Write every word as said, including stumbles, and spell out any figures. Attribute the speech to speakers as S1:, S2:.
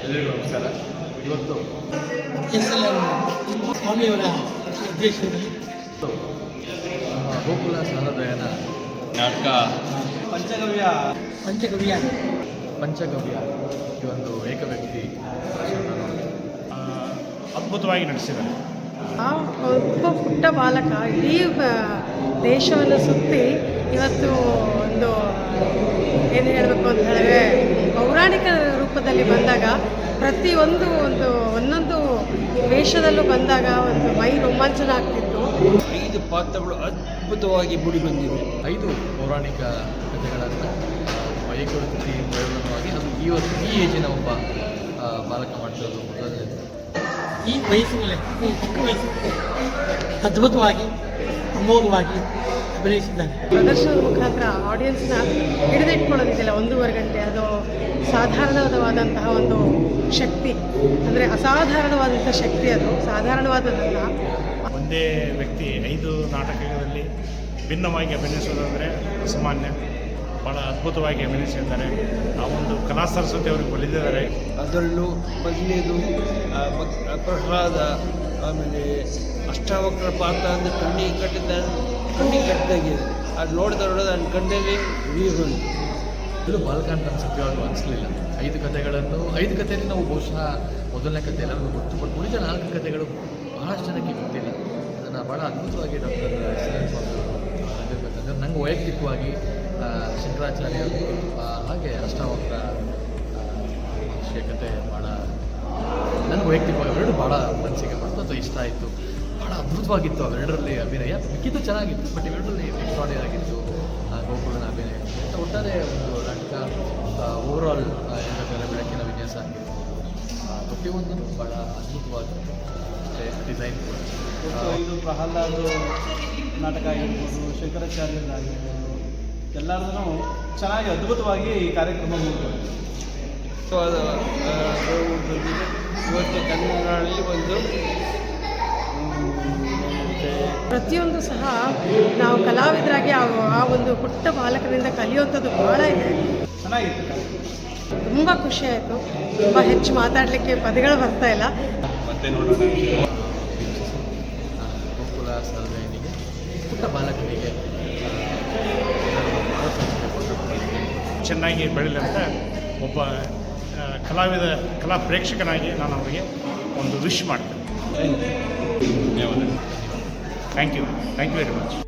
S1: ಎಲ್ಲರಿಗೂ ನಮಸ್ಕಾರ. ಇವತ್ತು
S2: ಎಸ್ ಎಲ್ ಎಂ ಸ್ವಾಮಿಯವರ ಉದ್ದೇಶದಲ್ಲಿ
S1: ನಮ್ಮ ಗೋಕುಲ ಸಹೃದಯನ ನಾಟಕ
S3: ಪಂಚಗವ್ಯ
S2: ಪಂಚಗವ್ಯ
S1: ಪಂಚಗವ್ಯ ಈ ಒಂದು ಏಕ ವ್ಯಕ್ತಿ ಭಾಷಣವನ್ನು
S3: ಆ, ಅದ್ಭುತವಾಗಿ ನಡೆಸಿದ್ದಾರೆ.
S4: ಆ ಒಬ್ಬ ಪುಟ್ಟ ಬಾಲಕ ಇಡೀ ಬ- ದೇಶವನ್ನು ಸುತ್ತಿ ಇವತ್ತು ಒಂದು ಏನು ಹೇಳಬೇಕು ಅಂತ ಹೇಳಿದ್ರೆ ಪೌರಾಣಿಕ ರೂಪದಲ್ಲಿ ಬಂದಾಗ ಪ್ರತಿಯೊಂದು ಒಂದು ಒಂದೊಂದು ವೇಷದಲ್ಲೂ ಬಂದಾಗ ಒಂದು ಮೈ ರೋಮಾಂಚನ ಆಗ್ತಿತ್ತು.
S5: ಐದು ಪಾತ್ರಗಳು ಅದ್ಭುತವಾಗಿ ಮೂಡಿ ಬಂದಿವೆ.
S1: ಐದು ಪೌರಾಣಿಕ ಕಥೆಗಳನ್ನು ಏಕ ವ್ಯಕ್ತಿ ಪ್ರಯೋಗವಾಗಿ ಅದು ಈ ಒಂದು ಈ ಏಜಿನ ಒಬ್ಬ ಆ, ಬಾಲಕ ಮಾಡ್ತಿರೋದು ಮೊದಲನೇದು.
S2: ಈ ವಯಸ್ಸಿನಲ್ಲಿ ಈ ಚಿಕ್ಕ ವಯಸ್ಸಿನಲ್ಲಿ ಅದ್ಭುತವಾಗಿ ಅಮೋಘವಾಗಿ ಅಭಿನಯಿಸಿದ್ದಾರೆ.
S4: ಪ್ರದರ್ಶನದ ಮುಖಾಂತರ ಆಡಿಯನ್ಸ್ನ ಹಿಡಿದಿಟ್ಕೊಳ್ಳೋದಿದೆಯಲ್ಲ ಒಂದೂವರೆ ಗಂಟೆ, ಅದು ಸಾಧಾರಣವಾದಂತಹ ಒಂದು ಶಕ್ತಿ, ಅಂದರೆ ಅಸಾಧಾರಣವಾದಂಥ ಶಕ್ತಿ, ಅದು ಸಾಧಾರಣವಾದದ್ದಲ್ಲ.
S3: ಒಂದೇ ವ್ಯಕ್ತಿ ಐದು ನಾಟಕಗಳಲ್ಲಿ ಭಿನ್ನವಾಗಿ ಅಭಿನಯಿಸೋದಂದರೆ ಅಸಾಮಾನ್ಯ. ಭಾಳ ಅದ್ಭುತವಾಗಿ ಅಭಿನಯಿಸಿದ್ದಾರೆ. ಆ ಒಂದು ಕಲಾ ಸರಸ್ವತಿ ಅವ್ರಿಗೆ ಒಲಿದಿದ್ದಾರೆ.
S5: ಅದರಲ್ಲೂ ಮೊದಲನೇದು ಆ, ಭಕ್- ಪ್ರಹ್ಲಾದ, ಆಮೇಲೆ ಅಷ್ಟಾವಕ್ರ ಪಾತ್ರ ಅಂದರೆ ಕಣ್ಣಿಗೆ ಕಟ್ಟಿದ ಕಣ್ಣಿಗೆ ಕಟ್ಟಿದಾಗಿದೆ. ಅದು ನೋಡಿದ ನೋಡೋದು ನನ್ನ ಕಣ್ಣಲ್ಲಿ ನೀರು ಬಂತು.
S1: ಇದು ಬಾಲಕ ಅಂತ ಸತ್ಯವಾಗೂ ಅನಿಸಲಿಲ್ಲ. ಐದು ಕಥೆಗಳನ್ನು ಐದು ಕಥೆಯಲ್ಲಿ ನಾವು ಬಹುಶಃ ಮೊದಲನೇ ಕಥೆ ಎಲ್ಲರಿಗೂ ಗೊತ್ತು, ಬಟ್ ಉಳಿದ ನಾಲ್ಕು ಕಥೆಗಳು ಬಹಳಷ್ಟು ಜನಕ್ಕೆ ಗೊತ್ತಿಲ್ಲ. ಅದನ್ನು ಭಾಳ ಅದ್ಭುತವಾಗಿ ಡಾಕ್ಟರ್ ಎಸ್ ಎಲ್ ಸ್ವಾಮಿ ಅವರು ನಂಗೆ ವೈಯಕ್ತಿಕವಾಗಿ ಆ, ಶಂಕರಾಚಾರ್ಯರು ಆ, ಹಾಗೆ ಅಷ್ಟಾವಕ್ರ ಮಹರ್ಷಿಯ ಕಥೆ ಭಾಳ ನನಗೆ ವೈಯಕ್ತಿಕವಾಗಿ ಅವೆರಡು ಭಾಳ ಮನಸ್ಸಿಗೆ ಬಂತು ಅಥವಾ ಇಷ್ಟ ಆಯಿತು. ಭಾಳ ಅದ್ಭುತವಾಗಿತ್ತು ಅವೆರಡರಲ್ಲಿ ಅಭಿನಯ. ಮಿಕ್ಕಿದ್ದು ಚೆನ್ನಾಗಿತ್ತು, ಬಟ್ ಇವೆರಡರಲ್ಲಿ ಎಕ್ಸ್ಟ್ರಾಡಿನರಿ ಆಗಿತ್ತು ಆ, ಗೋಕುಲನ ಅಭಿನಯ. ಮತ್ತು ಒಟ್ಟಾರೆ ಒಂದು ನಾಟಕ ಓವರಾಲ್ ಏನಂದರೆ ಬೆಳಕಿನ ವಿನ್ಯಾಸ ಆಗಿರ್ಬೋದು, ಆ, ಪ್ರತಿಯೊಂದೂ ಭಾಳ ಅದ್ಭುತವಾದ ಡಿಸೈನ್ ಕೂಡ.
S6: ಮತ್ತು ಇದು ಪ್ರಹ್ಲಾದ ನಾಟಕ ಆಗಿರ್ಬೋದು, ಶಂಕರಾಚಾರ್ಯರಾಗಿರ್ಬೋದು, ಎಲ್ಲರದೂ ಚೆನ್ನಾಗಿ ಅದ್ಭುತವಾಗಿ ಈ ಕಾರ್ಯಕ್ರಮ ಮುಗಿದು
S5: ಅದ್ಭುತವಾದ, ಆ, ನೋವು ಬಂದಿದೆ. ಇವತ್ತು ಕನ್ನಡದಲ್ಲಿ ಒಂದು
S4: ಪ್ರತಿಯೊಂದು ಸಹ ನಾವು ಕಲಾವಿದರಾಗಿ ಆ ಆ ಒಂದು ಪುಟ್ಟ ಬಾಲಕರಿಂದ ಕಲಿಯುವಂಥದ್ದು ಭಾಳ ಇದೆ.
S6: ಚೆನ್ನಾಗಿತ್ತು.
S4: ತುಂಬ ಖುಷಿ ಆಯಿತು. ತುಂಬ ಹೆಚ್ಚು ಮಾತಾಡಲಿಕ್ಕೆ ಪದಗಳು ಬರ್ತಾ ಇಲ್ಲ.
S1: ಮತ್ತೆ ನೋಡೋಣ ಗೋಕುಲ ಸಹೃದಯನಿಗೆ ಪುಟ್ಟ ಬಾಲಕನಿಗೆ
S3: ಚೆನ್ನಾಗಿ ಬೆಳೀಲಿ ಅಂತ ಒಬ್ಬ ಆ, ಕಲಾವಿದ ಕಲಾ ಪ್ರೇಕ್ಷಕನಾಗಿ ನಾನು ಅವರಿಗೆ ಒಂದು ವಿಶ್ ಮಾಡ್ತೇನೆ. Thank you thank you very much.